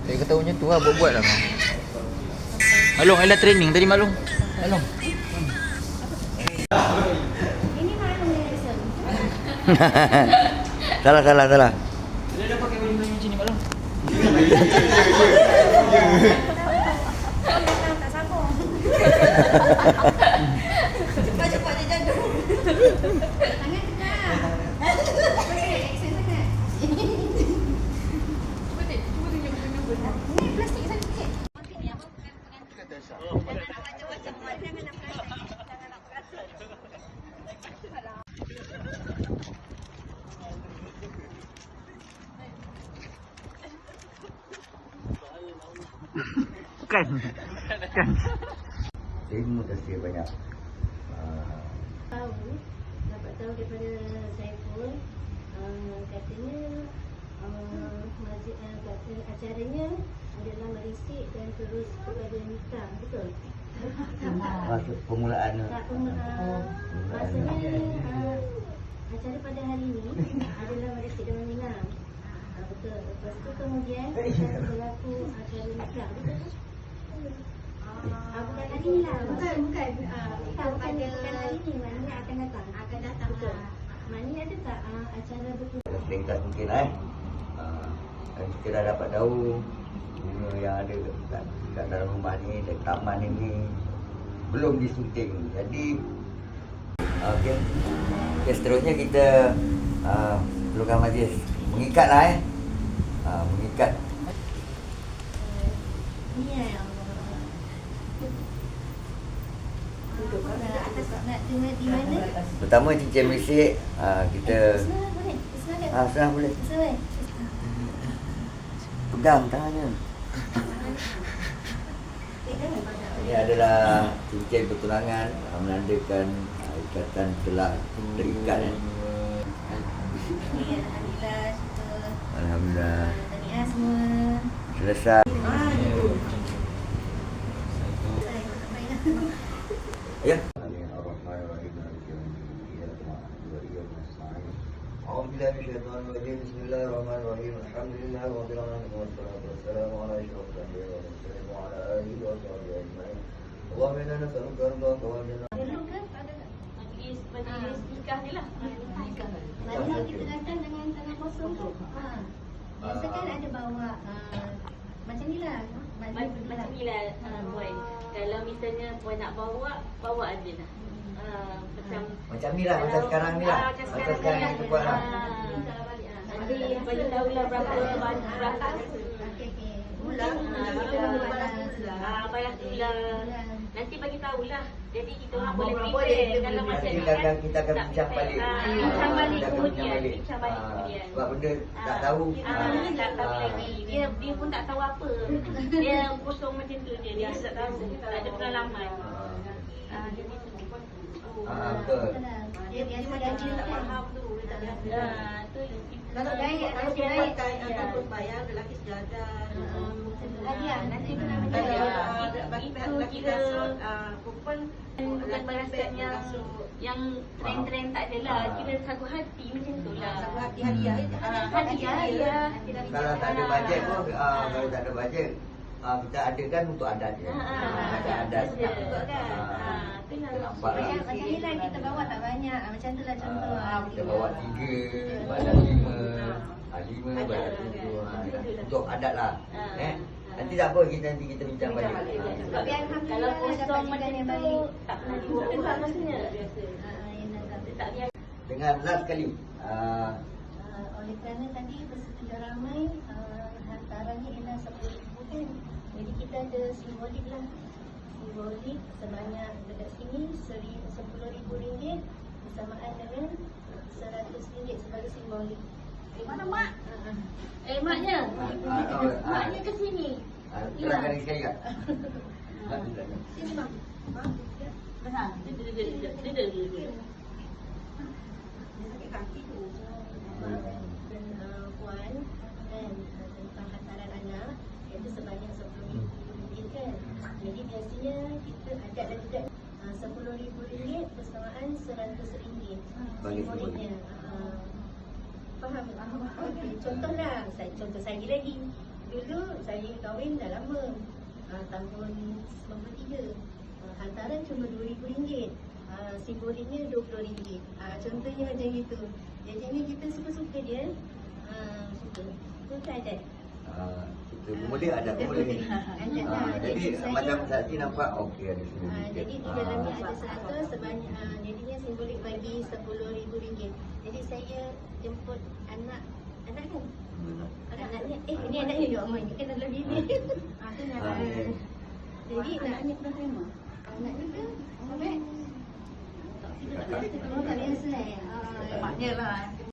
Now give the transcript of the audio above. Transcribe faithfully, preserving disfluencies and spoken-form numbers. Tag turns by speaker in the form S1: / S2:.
S1: Saya kata macam tu lah, buat-buat lah. Malung, Ella training tadi Malung. Malung.
S2: Ini Malung yang lesson.
S1: Salah, salah, salah. Dia dah pakai baju macam ni Malung.
S2: Tak sambung. Cepat-cepat dia jaga. Tangan kena. Okey, action sangat. Cuba tengok, cuba tunjuk benda benda. Ni plastik saya sikit. Macam-macam warna dengan plastik. Jangan nak perasan.
S1: Bukan. Bukan.
S3: Terima kasih banyak.
S2: Tahu, dapat tahu daripada Saiful, uh, katanya uh, majlis, uh, kata acaranya adalah merisik dan terus kepada nikah, betul?
S3: Masuk permulaan.
S2: Tak, uh, maksudnya uh, acara pada hari ini adalah merisik dan meminang. Uh, betul. Lepas tu kemudian akan berlaku acara nikah, betul? Ah, bukan hari ni lah. Bukan, bukan. Ah, bukan, bukan, bukan hari ni. Maknanya akan datang. Akan datang. Betul. Maknanya ada tak ah, acara betul?
S3: Ringkas mungkin eh. Uh, dan kita dah dapat tahu bunga yang ada kat, kat dalam rumah ni dan taman ini belum disunting. Jadi okey. Okay, seterusnya kita uh, perlukan majlis mengikat lah eh. Uh, mengikat.
S2: Ni yang duduk kat atas nak dengar di mana?
S3: Pertama cincin merisik uh, kita
S2: Senang boleh? Senang
S3: ah senang boleh.
S2: Senang.
S3: Pegang tangannya. Ini adalah cincin pertunangan uh, menandakan uh, ikatan telah terikat eh.
S2: Alhamdulillah, syukur.
S3: Alhamdulillah.
S2: Tahniah semua.
S3: Selesai.
S2: Ah, gitu.
S3: Ya. Bismillahirrahmanirrahim. Alhamdulillah rabbil alamin wassalatu wassalamu ala asyrafil anbiya'i wal mursalin wa ala alihi wa sahbihi ajma'in. Allahumma inna nas'aluka ridhaka wal jannah.
S2: Perlu ke? Ada tak?
S4: Majlis majlis nikah je lah.
S2: Maknanya kita datang dengan tangan kosong tu. Ha. Biasa kan ada bawa uh, macam ni lah.
S4: Macam macam ni lah uh, Puan. Kalau misalnya Puan nak bawa, bawa aje lah. Uh, macam
S3: Macam ni lah, macam sekarang ni lah.
S4: Ah,
S3: Macam sekarang yang kita buat lah.
S4: Nanti bagi tahu lah berapa berapa.
S2: Okey okey.
S4: Ulang,
S2: Ah,
S4: kita
S2: kita
S4: balas
S2: balas.
S4: Ah, balas tulang. Nanti bagi tahulah. Jadi kita orang boleh
S2: boleh
S4: prepare dalam masa
S3: Nanti
S4: ni
S3: kita
S4: kan.
S3: akan, kita akan
S4: Tak
S3: bincang
S4: prepare.
S3: balik.
S4: Ah, bincang balik
S3: Kita akan
S4: kemudian.
S3: balik.
S4: Bincang balik
S3: Ah,
S4: kemudian.
S3: Sebab benda tak
S4: Ah,
S3: tahu.
S4: Ah,
S3: Ah,
S4: tak tahu
S3: ah.
S4: lagi. Dia dia pun tak tahu apa. Dia kosong macam tu je. Dia tak tahu. Tak ada pengalaman. Ah, jadi tu.
S3: Ah, betul.
S2: Dia biasa gaji tak faham tu.
S4: Ah, tu
S2: Kalau baik, kalau
S4: dia
S2: baik.
S4: pakai
S5: ataupun bayar lelaki sejadah.
S2: Hadiah nanti kena
S4: Ah,
S2: minta
S5: Bagi
S4: itu
S5: pihak lelaki
S4: kira
S5: rasut, perempuan
S4: bukan balasan yang yang trend-trend tak adalah. Kira sagu hati macam tu lah.
S5: sagu hati hadiah.
S4: Ah, hadiah, hadiah.
S3: Kalau tak ada bajet pun, ah, kalau tak ada bajet, ah, kita adakan untuk adat je.
S4: Ah,
S3: Ah, Ada adat.
S4: betul kan?
S3: Ah,
S4: Ah, tu yang
S3: nampak lah.
S2: Macam macam ni lah kita bawa tak banyak. Ah, Macam tu lah contoh.
S3: Ah, kita bawa tiga, badan lima, ah, lima, badan tujuh. Ah, Untuk adat lah. Eh? Nanti tak apa, kita nanti kita bincang balik.
S2: Tapi
S3: Ah,
S4: kalau
S2: alhamdulillah
S4: kosong
S2: dapat
S4: macam
S2: jiran yang
S4: tu
S2: baik.
S4: tak pernah dibuat maksudnya.
S2: Ah, yang datang.
S4: Tak biasa.
S3: Dengan last kali. ah,
S2: Uh, oleh kerana tadi bersedia ramai, uh, hantarannya ialah sepuluh ribu kan. Jadi kita ada simbolik lah. Simbolik sebanyak dekat sini sepuluh ribu ringgit bersamaan dengan seratus ringgit sebagai simbolik.
S4: Eh, mana mak?
S2: Uh,
S4: Eh, maknya.
S3: ah, ah, ah,
S4: Maknya ke sini.
S3: ah, Terangkan lagi sekali tak?
S2: sini bang.
S4: Benar. Dia dia dia dia dia dia dia. dia.
S5: Sakit kaki tu.
S2: Dan uh, puan dan uh, tentang hantaran anak iaitu sebanyak sepuluh ribu ringgit kan. Jadi biasanya kita adat dan tidak uh, sepuluh ribu ringgit bersamaan seratus ringgit.
S3: Bagi
S2: Simboliknya. Uh, faham? Okey, contohlah, saya contoh saya lagi. dulu saya kahwin dah lama. Uh, tahun sembilan puluh tiga. Uh, hantaran cuma dua ribu ringgit. Uh, simboliknya dua puluh ringgit. Uh, contohnya macam itu. Jadinya kita suka-suka dia. Uh, suka. Suka ada.
S3: Ah, kita boleh ada boleh.
S2: Ada
S3: Ah,
S2: lah.
S3: jadi
S2: saya-
S3: macam saksi nampak okey ada semua.
S2: Ah, jadi di dalamnya ada seratus sebanyak ah, jadinya simbolik bagi sepuluh ribu ringgit. Jadi saya jemput anak anak kan? Anaknya eh ini anaknya dia Omar ni kan dalam bini. Ah tu nak.
S3: Ah, ya.
S2: Jadi anaknya pernah terima. Anaknya ke? Sampai tak biasa eh. Ah,
S5: Maknya lah.